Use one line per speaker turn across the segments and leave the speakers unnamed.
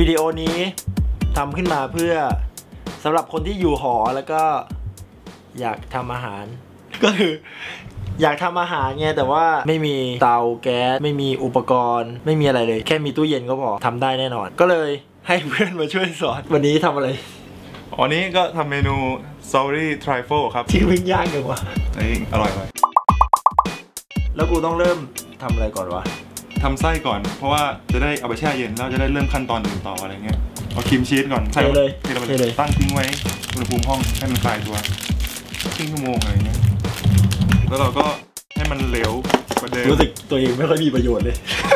วิดีโอนี้ทำขึ้นมาเพื่อสำหรับคนที่อยู่หอแล้วก็อยากทำอาหารก็คืออยากทำอาหารไงแต่ว่าไม่มีเตาแก๊สไม่มีอุปกรณ์ไม่มีอะไรเลยแค่มีตู้เย็นก็พอทำได้แน่นอนก็เลยให้เพื่อนมาช่วยสอนวันนี้ทำอะไร
วันนี้ก็ทำเมนู Sorry Trifle ครับ
ที่วิ่งยากเลยวะ
อร่อย
แล้วกูต้องเริ่มทำอะไรก่อนวะ
ทำไส้ก่อนเพราะว่าจะได้เอาไปแช่เย็นแล้วจะได้เริ่มขั้นตอนอื่นต่ออะไรเงี้ยเอาครีมชีสก่อน
ใส่เลย
ตั้งทิ้งไว้อุณหภูมิห้องให้มันคลายตัวครึ่งชั่วโมงอะไรเงี้ยแล้วเราก็ให้มันเหลวกว่าเดิม
รู้สึกตัวเองไม่ค่อยมีประโยชน์เลย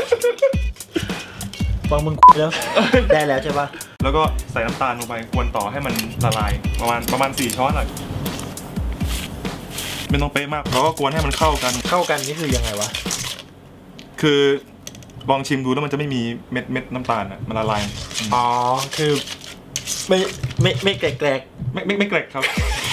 ฟังมึงแล้วได้แล้วใช่ปะ
แล้วก็ใส่น้ำตาลลงไปกวนต่อให้มันละลายประมาณ4 ช้อนอะไม่ต้องเป๊ะมากแล้วก็กวนให้มันเข้ากัน
นี่คือยังไงวะ
คือลองชิมดูแล้วมันจะไม่มีเม็ดน้ำตาลอะมันละลาย
อ๋อคือไม่แกลก
ไม่แกลกครับ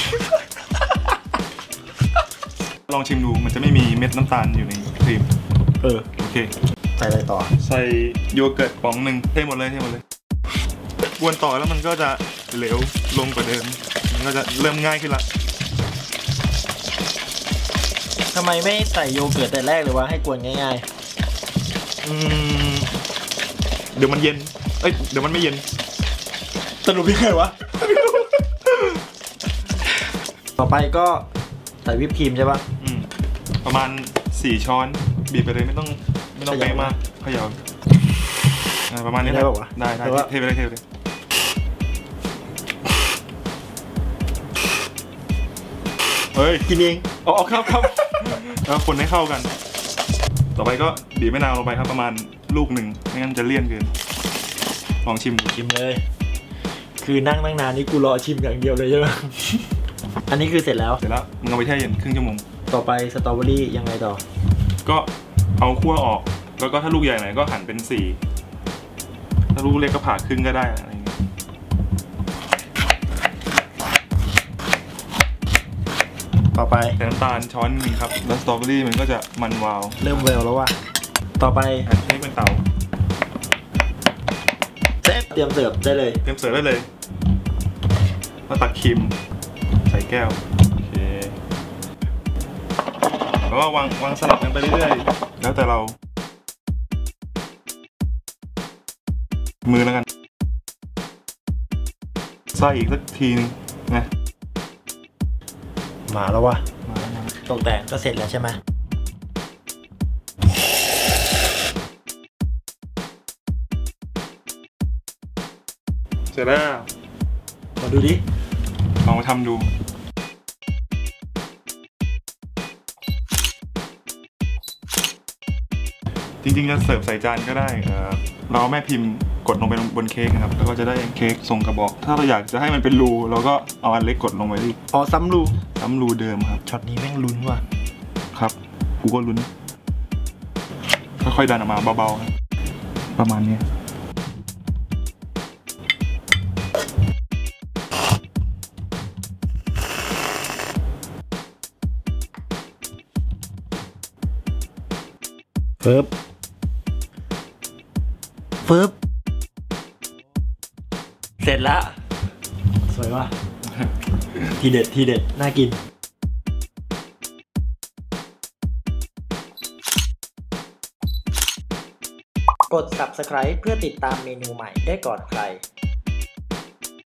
ลองชิมดูมันจะไม่มีเม็ดน้ำตาลอยู่ในครีมโอเค
ใส่อะไรต่อ
ใส่โยเกิร์ตป๋องหนึ่งเทหมดเลยกวนต่อแล้วมันก็จะเหลวลงกว่าเดิมมันก็จะเริ่มง่ายขึ้นละ
ทำไมไม่ใส่โยเกิร์ตแต่แรกเลยวะให้กวนง่าย
เดี๋ยวมันเย็นเดี๋ยวมันไม่เย็น
สรุปยังไงวะ ต่อไปก็ใส่วิปครีมใช่ปะ
ประมาณ4 ช้อนบีบไปเลยไม่ต้องเป๊ะมากเขย่าประมาณนี้ได้ป่าวะได้เทไปเลยเฮ้ย
กินเอง
อ๋อครับแล้วคนให้เข้ากันต่อไปก็บีบมะนาวลงไปครับประมาณลูกหนึ่งไม่งั้นจะเลี่ยนเกินลองชิม
เลยคือนั่งนานนี่กูรอชิมอย่างเดียวเลยใช่ไหม อันนี้คือเสร็จแล้ว
มึงเอาไปแช่เย็นครึ่งชั่วโมง
ต่อไปสตรอเบอรี่ยังไงต่อ
ก็เอาคั่วออกแล้วก็ถ้าลูกใหญ่หน่อยก็หั่นเป็น4ถ้าลูกเล็กก็ผ่าครึ่งก็ได้อะไรเงี้ย
ต่อไป
ใส่น้ำตาลช้อนนึงครับแล้วสตรอเบอรี่มันก็จะมันวาว
เริ่มแววแล้วว่ะต่อไป
อันนี้เป็นเตา
เตรียมเสิร์ฟได้เลย
มาตักครีมใส่แก้วโอเคแล้วก็วางสลับกันไปเรื่อยๆแล้วแต่เรามือแล้วกันใส่อีกสักทีนึงนะ
มาแล้ววะตกแต่งก็เสร็จแล้วใช่ไหม
เสร็จแล้ว
มาดูดิ
ลองมาทำดูจริงๆจะเสิร์ฟใส่จานก็ได้เราแม่พิมพ์กดลงไปบนเค้กนะครับแล้วก็จะได้เค้กทรงกระบอกถ้าเราอยากจะให้มันเป็นรูเราก็เอาอันเล็กกดลงไปดิ
ซ้ำ
รูเดิมครับ
ช็อตนี้แม่งลุ้นว่ะ
ครับกูก็ลุ้นค่อยๆดันออกมาเบาๆครับประมาณนี้
ฟึบเสร็จแล้วสวยว่ะ ทีเด็ดน่ากินกด Subscribe เพื่อติดตามเมนูใหม่ได้ก่อนใคร